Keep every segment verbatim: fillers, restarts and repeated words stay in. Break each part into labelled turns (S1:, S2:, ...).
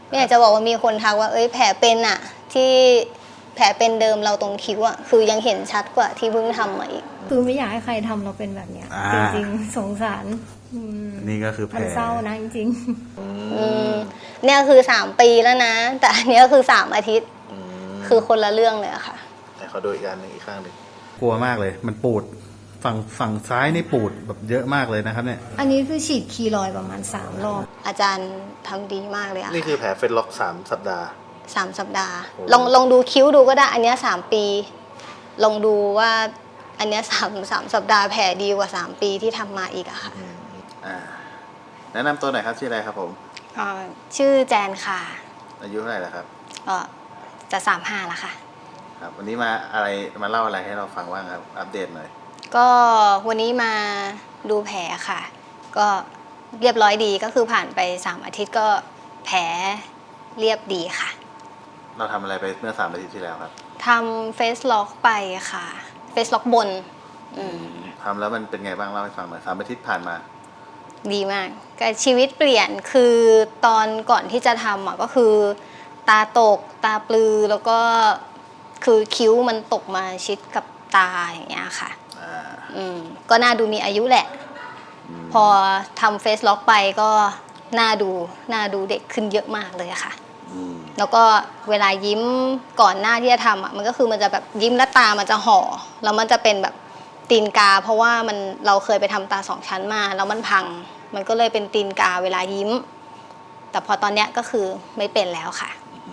S1: ไม่อยากจะบอกว่ามีคนทักว่าเอ้ยแผลเป็นอะที่แผลเป็นเดิมเราตรงคิ้วอะคือยังเห็นชัดกว่าที่เพิ่งทำมาอีก
S2: คือไม่อยากให้ใครทำเราเป็นแบบเนี้ยจริงๆสงสาร
S3: นี่ก็คือแผล
S2: มันเศร้านะจริง
S1: ๆเนี่ยคือสามปีแล้วนะแต่อันนี้ก็คือสามอาทิตย์คือคนละเรื่องเลยอะค่ะ
S3: แต่เขาดูอีกอันหนึ่งอีกข้างหนึ่งกลัวมากเลยมันปูดฝั่งฝั่งซ้ายนี่ปูดแบบเยอะมากเลยนะครับเนี่ย
S2: อันนี้คือฉีดคีรอยประมาณสามรอบ
S1: อาจารย์ทำดีมากเลยอะ
S3: นี่คือแผลเฟซล็อกสามสัปดาห์
S1: สามสัปดาห์ลองลองดูคิ้วดูก็ได้อันนี้สามปีลองดูว่าอันนี้สามสามสัปดาห์แผลดีกว่าสามปีที่ทำมาอีกอะค่ะ
S3: แนะนำตัวหน่อยครับชื่ออะไรครับผม
S1: ชื่อแจนค่ะ
S3: อายุเท่าไหร่แล้วครับ
S1: ก็จะสามห้าแล้วค่ะ
S3: ครับวันนี้มาอะไรมาเล่าอะไรให้เราฟังบ้างครับอัปเดตหน่อย
S1: ก็วันนี้มาดูแผลค่ะก็เรียบร้อยดีก็คือผ่านไปสามอาทิตย์ก็แผลเรียบดีค่ะ
S3: เราทำอะไรไปเมื่อสามอาทิตย์ที่แล้วครับ
S1: ทำเฟซล็อกไปค่ะเฟซล็อกบน
S3: ทำแล้วมันเป็นไงบ้างเล่าให้ฟังหน่อยสามอาทิตย์ผ่านมา
S1: ดีมากก็ชีวิตเปลี่ยนคือตอนก่อนที่จะทำอ่ะก็คือตาตกตาปลือแล้วก็คือคิ้วมันตกมาชิดกับตาอย่างเงี้ยค่ะอืมก็น่าดูมีอายุแหละพอทำเฟซล็อกไปก็น่าดูน่าดูเด็กขึ้นเยอะมากเลยค่ะแล้วก็เวลายิ้มก่อนหน้าที่จะทำอ่ะมันก็คือมันจะแบบยิ้มแล้วตามันจะห่อแล้วมันจะเป็นแบบตีนกาเพราะว่ามันเราเคยไปทำตาสองชั้นมาแล้วมันพังมันก็เลยเป็นตีนกาเวลายิ้มแต่พอตอนเนี้ยก็คือไม่เป็นแล้วค่ะ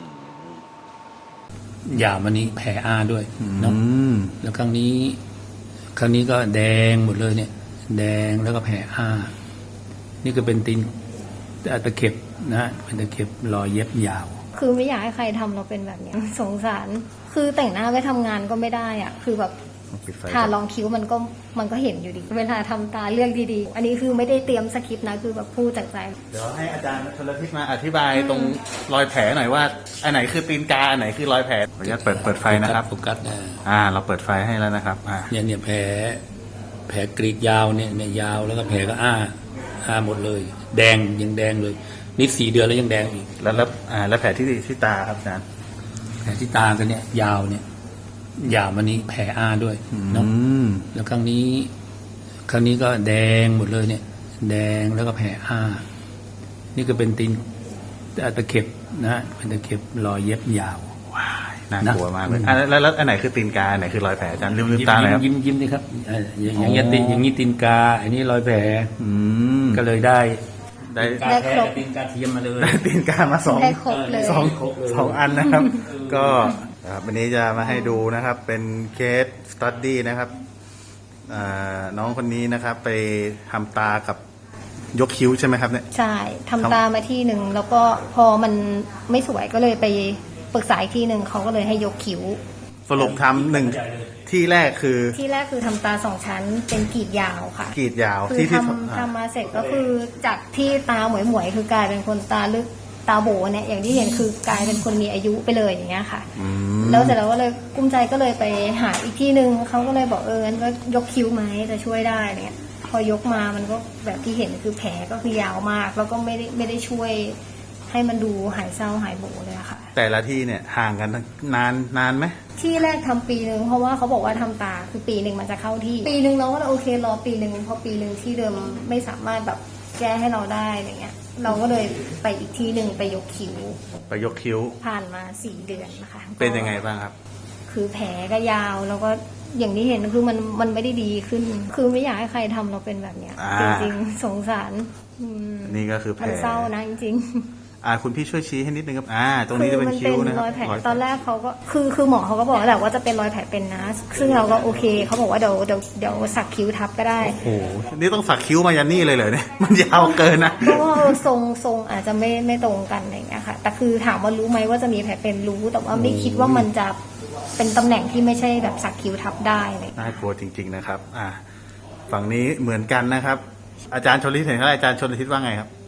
S4: ยามันนี้แผลอาด้วยเนาะแล้วครั้งนี้ครั้งนี้ก็แดงหมดเลยเนี่ยแดงแล้วก็แผลอานี่ก็เป็นตีนตะเข็บนะเป็นตะเข็บรอยเย็บยาว
S2: คือไม่อยากให้ใครทำเราเป็นแบบนี้สงสารคือแต่งหน้าไปทำงานก็ไม่ได้อ่ะคือแบบทารองคิ้วมันก็มันก็เห็นอยู่ดีเวลาทำตาเลือกดีๆอันนี้คือไม่ได้เตรียมสคริปต์นะคือแบบพูดจากใจ
S3: เดี๋ยวให้อาจารย์ชลทิศมาอธิบายตรงรอยแผลหน่อยว่าอันไหนคือตีนกาอันไหนคือรอยแผลขออนุญาตเปิดเปิดไฟนะครับ
S4: โฟกัสนะ
S3: อ่าเราเปิดไฟให้แล้วนะครับอ่า
S4: เนี่ยเนี่ยแผลแผลกรีดยาวเนี่ยเนี่ยยาวแล้วก็แผลก็อ้าอ้าหมดเลยแดงยังแดงเลยนี่สี่เดือนแล้วยังแดงอีก
S3: แล้วแล้วอ่าแล้วแผลที่ที่ตาครับอาจารย์
S4: แผลที่ตากันเนี่ยยาวเนี่ยยาวมันนี้แผลอาด้วยเนาะแล้วครั้งนี้ครั้งนี้ก็แดงหมดเลยเนี่ยแดงแล้วก็แผลอานี่ก็เป็นตีนตะเข็บนะเป็นตะเข็บรอยเย็บยาว
S3: ว้ายน่ากลัวมากเลยอ่ะแล้วแล้วอันไหนคือตีนกาอันไหนคือรอยแผลอาจารย์ลืมลืมตาเลยครับ
S4: ยิ้มยิ้มนี่ครับอย่างเงี้ยตีนอย่างนี้ตีนกาอันนี้รอยแผลก็เลยได้
S3: ได้
S4: ได้ครบตีนกาเทียมมาเลย
S3: ได้ตีนกามาสองสองสองอันนะครับก็วันนี้จะมาให้ดูนะครับเป็นเคสสตั๊ดดี้นะครับน้องคนนี้นะครับไปทำตากับยกคิ้วใช่ไหมครับเนี่ย
S2: ใช่ทำตามาที่หนึ่งแล้วก็พอมันไม่สวยก็เลยไปปรึกษาอีกที่หนึ่งเขาก็เลยให้ยกคิ้ว
S3: สรุปทำหนึ่งที่แรกคือ
S2: ที่แรกคือทำตาสองชั้นเป็นกรีดยาวค่ะ
S3: กรีดยาว
S2: ที่ทำทำมาเสร็จก็คือจากที่ตาหมวยหมวยคือกลายเป็นคนตาลึกตาโบเนี่ยอย่างที่เห็นคือกลายเป็นคนมีอายุไปเลยอย่างเงี้ยค่ะแล้วเสร็จแล้วก็เลยกุ้มใจก็เลยไปหาอีกที่หนึ่งเขาก็เลยบอกเอองั้นก็ยกคิ้วไหมจะช่วยได้เนี่ยพอยกมามันก็แบบที่เห็นคือแผลก็คือยาวมากแล้วก็ไม่ได้ไม่ได้ช่วยให้มันดูหายเศร้าหายโบเลยค่ะ
S3: แต่ละที่เนี่ยห่างกันนานนานไหม
S2: ที่แรกทำปีหนึ่งเพราะว่าเขาบอกว่าทำตาคือปีหนึ่งมันจะเข้าที่ปีหนึ่งเราก็โอเครอปีหนึ่งพอปีหนึ่งที่เดิมไม่สามารถแบบแก้ให้เราได้อะไรเงี้ยเราก็เลยไปอีกที่หนึ่งไปยกคิ้ว
S3: ไปยกคิ้ว
S2: ผ่านมาสี่เดือนนะคะ
S3: เป็นยังไงบ้างครับ
S2: คือแผลก็ยาวแล้วก็อย่างที่เห็นคือมันมันไม่ได้ดีขึ้นคือไม่อยากให้ใครทำเราเป็นแบบเนี้ยจริงๆสงสาร
S3: นี่ก็คือแผล
S2: มันเศร้านะจริง
S3: อ่าคุณพี่ช่วยชี้ให้นิดนึงครับอ่าตรงนี้จะเป็นคิ้วนะ
S2: รอยแผลตอนแรกเขาก็คือคือหมอเขาก็บอกแหละว่าจะเป็นรอยแผลเป็นนะซึ่งเราก็โอเคเขาบอกว่าเดี๋ยวเดี๋ยวเดี๋ยวสักคิ้วทับก็ได้
S3: โอ้โหนี่ต้องสักคิ้วมายันนี่เลยเหรอเนี่ยมันยาวเกินนะ
S2: เพราะว่าทรงทรงอาจจะไม่ไม่ตรงกันอะไรอย่างเงี้ยค่ะแต่คือถามว่ารู้ไหมว่าจะมีแผลเป็นรู้แต่ว่าไม่คิดว่ามันจะเป็นตำแหน่งที่ไม่ใช่แบบสักคิ้วทับได้เลย
S3: น่ากลัวจริงๆนะครับอ่าฝั่งนี้เหมือนกันนะครับอาจารย์ชลทิศเห็นไหมอาจารย์ชลทิศว่าไงครับ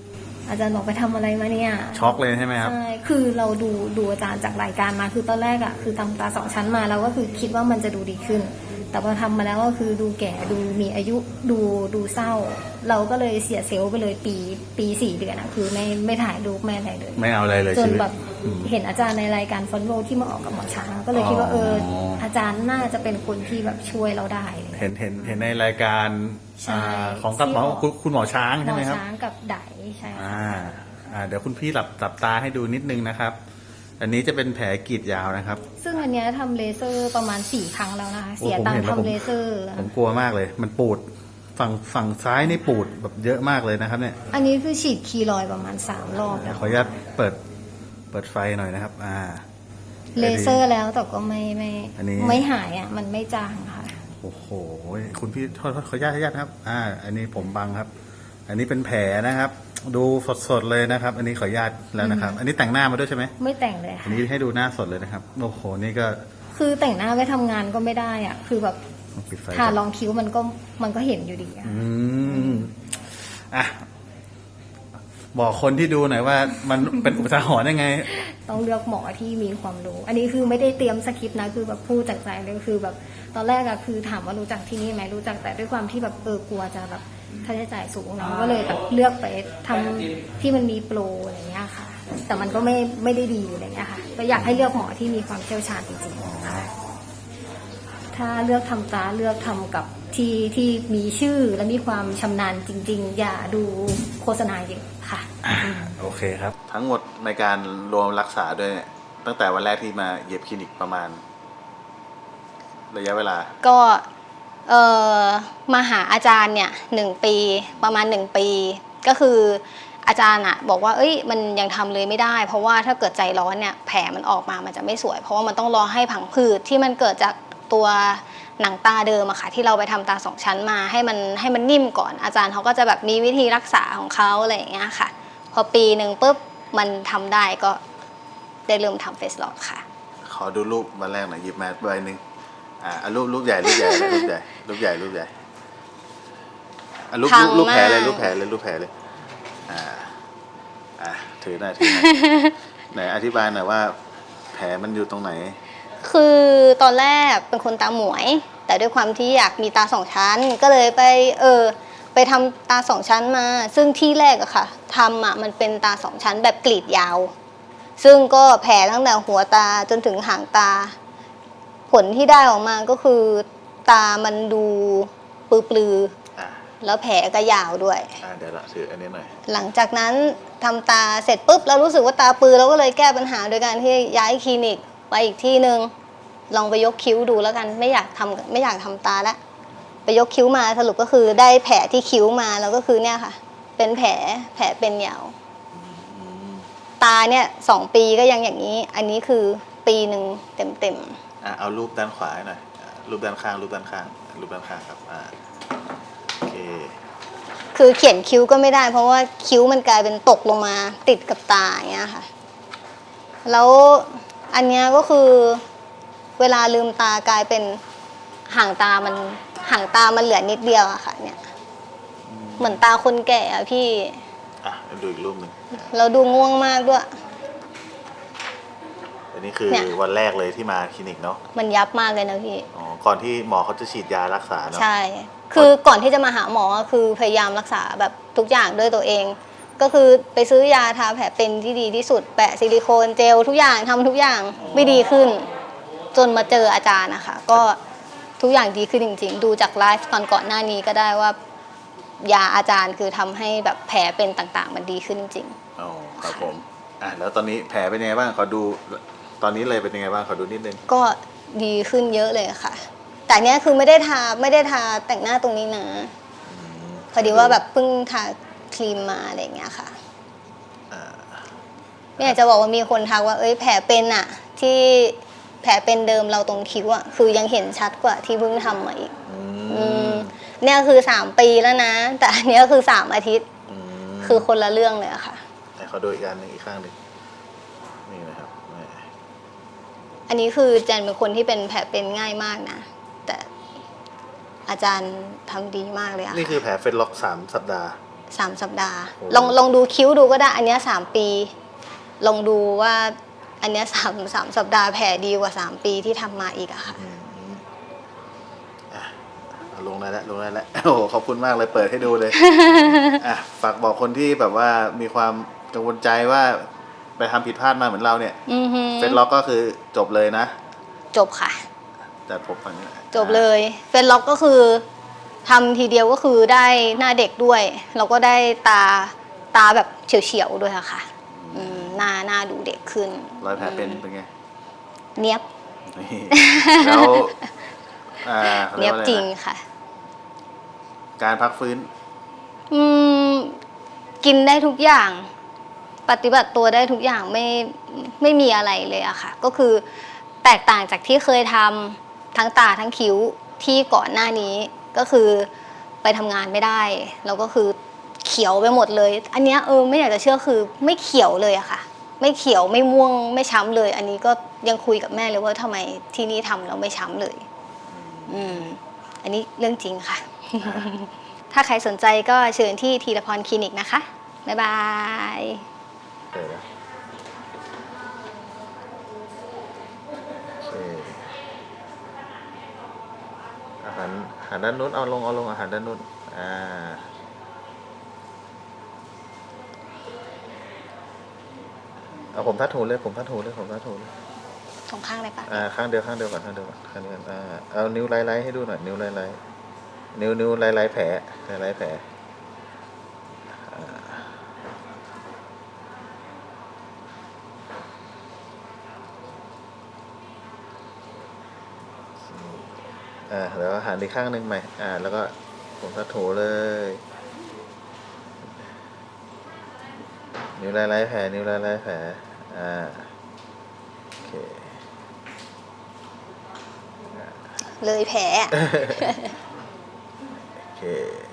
S2: อาจารย์บอกไปทำอะไรมาเนี่ย
S3: ช็อกเลยใช่ไหมครับ
S2: ใช่คือเราดูดูอาจารย์จากรายการมาคือตอนแรกอะคือทำตาสองชั้นมาเราก็คือคิดว่ามันจะดูดีขึ้น แต่พอทำมาแล้วก็คือดูแก่ดูมีอายุดูดูเศร้า เราก็เลยเสียเซลล์ไปเลยปีปีสี่เดือนอะคือไม่ไม่ถ่ายรูปไม่อะไรเลย
S3: ไม่เอาอะไรเลย
S2: จน
S3: ชีวิต
S2: แบบเห็นอาจารย์ในรายการฟอนโลที่มาออกกับหมอช้างก็เลยคิดว่าเอออาจารย์น่าจะเป็นคนที่แบบช่วยเราได้อะไร
S3: เห็นเห็นเห็นในรายการ
S2: ใช่
S3: อ่าของกับหมอ
S2: ที่
S3: คุณคุณหมอช้าง
S2: หม
S3: ใช่
S2: อ
S3: ไหมครับ
S2: ช้างกับไดใช่ค่ะ
S3: อ่าอ่าเดี๋ยวคุณพี่หลับหลับตาให้ดูนิดนึงนะครับ อันนี้จะเป็นแผลกรีดยาวนะครับ
S2: ซึ่งอันเนี้ยทำเลเซอร์ประมาณสี่ครั้งแล้วนะคะ
S3: โอ้
S2: เสีย
S3: ผม
S2: ตัง
S3: เห็น
S2: ค์
S3: แล้วผม
S2: ทำเลเซอร์
S3: ผมกลัวมากเลย มันปูดฝั่งฝั่งซ้ายนี่ปูดแบบเยอะมากเลยนะครับเนี่ย
S2: อันนี้คือฉีดคีรอยด์ประมาณสามรอบแล้ว
S3: ขออนุญาตเปิดเปิดไฟหน่อยนะครับ อ่า
S2: เลเซอร์แล้วแต่ก็ไม่ไม่
S3: อันนี้
S2: ไม่หายอ่ะมันไม่จางค่ะ
S3: โอ้โหคุณพี่โทษโทษขออนุญาตขออนุญาตนะครับ อ่า อันนี้ผมบังครับ อันนี้เป็นแผลนะครับ ดูสดๆเลยนะครับ อันนี้ขออนุญาตแล้วนะครับ อันนี้แต่งหน้ามาด้วยใช่ไหม
S2: ไม่แต่งเลย
S3: อั
S2: ค่ะ
S3: นนี้ให้ดูหน้าสดเลยนะครับ โอ้โห นี่ก็
S2: คือแต่งหน้าไว้ทำงานก็ไม่ได้อ่ะ คือแบบ
S3: ปิดไฟ
S2: ทารองคิ้วมันก็มันก็เห็นอยู่ดีอะ
S3: อืมอ่ะ บอกคนที่ดูหน่อยว่ามันเป็นอุทาหรณ์ยังไง
S2: ต้องเลือกหมอที่มีความรู้ อันนี้คือไม่ได้เตรียมสคริปต์นะคือแบบพูดจากใจเลยคือแบบตอนแรกอะคือถามว่ารู้จักที่นี่ไหมรู้จักแต่ด้วยความที่แบบเออกลัวจะแบบค่าใช้จ่ายสูงเนาะก็เลยแบบเลือกไปทำที่มันมีโปรอะไรเงี้ยค่ะ แต่มันก็ไม่ไม่ได้ดีอะไรเงี้ยค่ะก็อยากให้เลือกหมอที่มีความเชี่ยวชาญจริงๆค่ะถ้าเลือกทำตาเลือกทำกับที่ที่มีชื่อและมีความชำนาญจริง ๆ อย่าดูโฆษณาเยอะค่ะ
S3: โอเคครับ ทั้งหมดในการรวมรักษาด้วยเนี่ยตั้งแต่วันแรกที่มาเย็บคลินิกประมาณ ระยะเวลา
S1: ก็เอ่อมาหาอาจารย์เนี่ยหนึ่งปีประมาณหนึ่งปี ก็คืออาจารย์อะบอกว่าเอ้ยมันยังทำเลยไม่ได้ เพราะว่าถ้าเกิดใจร้อนเนี่ยแผลมันออกมามันจะไม่สวย เพราะว่ามันต้องรอให้ผังผืดที่มันเกิดจากตัวหนังตาเดิมอะค่ะที่เราไปทำตาสองชั้นมาให้มันให้มันนิ่มก่อน อาจารย์เขาก็จะแบบมีวิธีรักษาของเขาอะไรอย่างเงี้ยค่ะ พอปีหนึ่งปุ๊บมันทำได้ก็ได้เริ่มทำเฟสล็อกค่ะ
S3: ขอดูรูปวันแรกหน่อยหยิบมาใบหนึ่งอ่าเอารูปรูปใหญ่รูปใหญ่รูปใหญ่รูปใหญ่รูปใหญ่อ่ะรูป
S1: พั
S3: รู
S1: ง
S3: ปรูปแผลเลย
S1: มาก
S3: รูปแผลเลยรูปแผลเลย อ่า อ่าถือหน่อยถือหน่อย ไหนอธิบายหน่อยว่า แผลมันอยู่ตรงไหน
S1: คือตอนแรกเป็นคนตาหมวย แต่ด้วยความที่อยากมีตาสองชั้น ก็เลยไปเออไปทำตาสองชั้นมา ซึ่งที่แรกอะค่ะทำอะมันเป็นตาสองชั้นแบบกรีดยาว ซึ่งก็แผลตั้งแต่หัวตาจนถึงหางตา ผลที่ได้ออกมาก็คือตามันดูปลือ
S3: อ่า
S1: ๆแล้วแผลก็ยาวด้วย
S3: อ่าเดี๋ยวละถืออันนี้หน่อย
S1: หลังจากนั้นทำตาเสร็จปุ๊บเรารู้สึกว่าตาปลือเราก็เลยแก้ปัญหาโดยการที่ย้ายคลินิกไปอีกที่หนึ่งลองไปยกคิ้วดูแล้วกันไม่อยากทำไม่อยากทำตาละไปยกคิ้วมาสรุปก็คือได้แผลที่คิ้วมาแล้วก็คือเนี่ยค่ะ เป็นแผลแผลเป็นยาวตาเนี่ยสองปีก็ยังอย่างนี้ อันนี้คือปีหนึ่งเต็มเต็ม
S3: อ่าเอารูปด้านขวาให้หน่อยอ่ารูปด้านข้างรูปด้านข้างรูปด้านข้างครับ อ่าโอเค
S1: ๆคือเขียนคิ้วก็ไม่ได้ เพราะว่าคิ้วมันกลายเป็นตกลงมาติดกับตาอย่างเงี้ยค่ะ แล้วอันเนี้ยก็คือเวลาลืมตากลายเป็นห่างตามันห่างตามันเหลือนิดเดียวอะค่ะ เนี่ย เหมือนตาคนแก่อะพี่
S3: อ่ะดูอีกรูปหนึ่ง
S1: เราดูง่วงมากด้วย
S3: อันนี้คือ
S1: เนี่ย
S3: วันแรกเลยที่มาคลินิกเนาะ
S1: มันยับมากเลยนะพี่
S3: อ๋อ ก่อนที่หมอเขาจะฉีดยารักษาเนาะ
S1: ใช่ คือก่อนที่จะมาหาหมอคือพยายามรักษาแบบทุกอย่างด้วยตัวเอง ก็คือไปซื้อยาทาแผลเป็นที่ดีที่สุดแปะซิลิโคนเจลทุกอย่างทำทุกอย่างไม่ดีขึ้น จนมาเจออาจารย์นะคะก็ทุกอย่างดีขึ้นจริงๆ ดูจากไลฟ์ตอนก่อนหน้านี้ก็ได้ว่ายาอาจารย์คือทำให้แบบแผลเป็นต่างๆ มันดีขึ้นจริง
S3: อ๋อครับผม อ่ะแล้วตอนนี้แผลเป็นยังไงบ้างขอดู ตอนนี้เลยเป็นยังไงบ้างขอดูนิดนึง
S1: ก็ดีขึ้นเยอะเลยค่ะ แต่เนี้ยคือไม่ได้ทาไม่ได้ทาแต่งหน้าตรงนี้นะพอดีว่าแบบเพิ่งทาครีมมาอะไรอย่างเงี้ยค่ะ
S3: อ่า
S1: ไม่อยากจะบอกว่ามีคนทักว่าเอ้ยแผลเป็นอะที่แผลเป็นเดิมเราตรงคิ้วอะคือยังเห็นชัดกว่าที่เพิ่งทำมาอีก
S3: อื
S1: อื
S3: ม
S1: มเนี่ยคือสามปีแล้วนะ แต่อันเนี้ยคือสามอาทิตย์
S3: อืม
S1: คือคนละเรื่องเลยอะค่ะ
S3: ไหนขอดูอีกอันหนึงอีกข้างหนึ่งนี่นะครับนี่
S1: อันนี้คือแจนเป็นคนที่เป็นแผลเป็นง่ายมากนะ แต่อาจารย์ทำดีมากเลยอะ
S3: นี่คือแผลเฟซล็อกสามสัปดาห์
S1: สามสัปดาห์
S3: โอ้
S1: ลองลองดูคิ้วดูก็ได้ อันเนี้ยสามปี ลองดูว่าอันเนี้ยสามสามสัปดาห์แผลดีกว่าสามปีที่ทำมาอีกอะค่ะ
S3: อ่ะลงได้แล้วลงได้แล้วโอ้โหขอบคุณมากเลยเปิดให้ดูเลย อ่ะฝากบอกคนที่แบบว่ามีความกังวลใจว่าไปทำผิดพลาดมาเหมือนเราเนี่ย
S1: อือฮึ
S3: เฟซล็อกก็คือจบเลยนะ
S1: จบค่ะ
S3: จัดผมฝั่งนี้
S1: จบเลยเฟซล็อกก็คือทำทีเดียวก็คือได้หน้าเด็กด้วยแล้วก็ได้ตาตาแบบเฉียวๆด้วยอะค่ะอืมหน้าหน้าดูเด็กขึ้น
S3: รอยแผลเป็นเป็นไง
S1: เนียบ
S3: นี่แล้วอ่าขา
S1: เนียบ
S3: กว่าอะไะ
S1: จริงค่ะ
S3: การพักฟื้น
S1: อืมกินได้ทุกอย่าง ปฏิบัติตัวได้ทุกอย่างไม่ไม่มีอะไรเลยอะค่ะ ก็คือแตกต่างจากที่เคยทำทั้งตาทั้งคิ้วที่ก่อนหน้านี้ก็คือไปทำงานไม่ได้แล้วก็คือเขียวไปหมดเลย อันเนี้ยเออไม่อยากจะเชื่อคือไม่เขียวเลยอะค่ะ ไม่เขียวไม่ม่วงไม่ช้ำเลย อันนี้ก็ยังคุยกับแม่เลยว่าทำไมที่นี่ทำแล้วไม่ช้ำเลย อืมอันนี้เรื่องจริงค่ะ ถ้าใครสนใจก็เชิญที่ธีรพรคลินิกนะคะ บ๊ายบาย
S3: เออโอเคอาหารอาหารด้านนู้นเอาลงเอาลงอาหารด้านนู้นอ่าเอาผมทัดหูเลยผมทัดหูเลยผมทัดหูเลย
S1: สองข้างเลยปะ
S3: อ่าข้างเดียวข้างเดียวก่อนข้างเดียวก่อนข้างเดียวก่อนอ่าเอานิ้วไล่ไล่ให้ดูหน่อยนิ้วไล่ไล่นิ้วนิ้วไล่ไล่แผลไล่ไล่แผลอ่าอ่าแล้วหันอีกข้างหนึ่งใหม่อ่าแล้วก็ผมทัดถูเลยนิ้วไล่ไล่แผลนิ้วไล่ไล่แผลอ่าโอเค
S1: เลยแผล
S3: โอเค